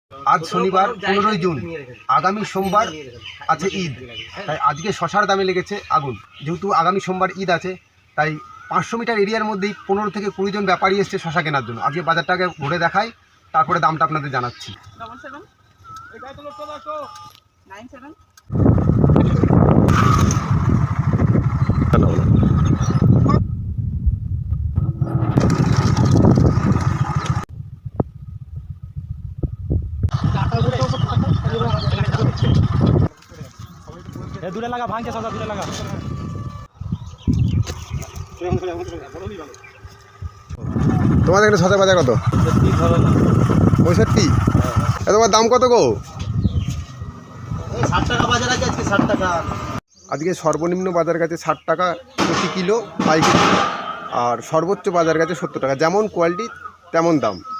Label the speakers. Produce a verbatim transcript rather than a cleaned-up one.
Speaker 1: আজ শনিবার পনেরোই জুন, আগামী সোমবার আছে ঈদ, তাই আজকে শশার দামে লেগেছে আগুন। যেহেতু আগামী সোমবার ঈদ আছে, তাই পাঁচশো মিটার এরিয়ার মধ্যেই পনেরো থেকে কুড়ি জন ব্যাপারী এসছে শশা কেনার জন্য। আজকে বাজারটাকে ঘুরে দেখাই, তারপরে দামটা আপনাদের জানাচ্ছি।
Speaker 2: দূরে লাগা ভাঙছে শশা, দূরে লাগা।
Speaker 1: তোমাদের এখানে শশা বাজার কত? পঁয়ষট্টি। তোমার দাম কত গো?
Speaker 3: ষাট টাকা বাজার আছে আজকে, ষাট টাকা।
Speaker 1: আজকে সর্বনিম্ন বাজার গেছে ষাট টাকা প্রতি কিলো পাইকারি, আর সর্বোচ্চ বাজার গেছে সত্তর টাকা। যেমন কোয়ালিটি তেমন দাম।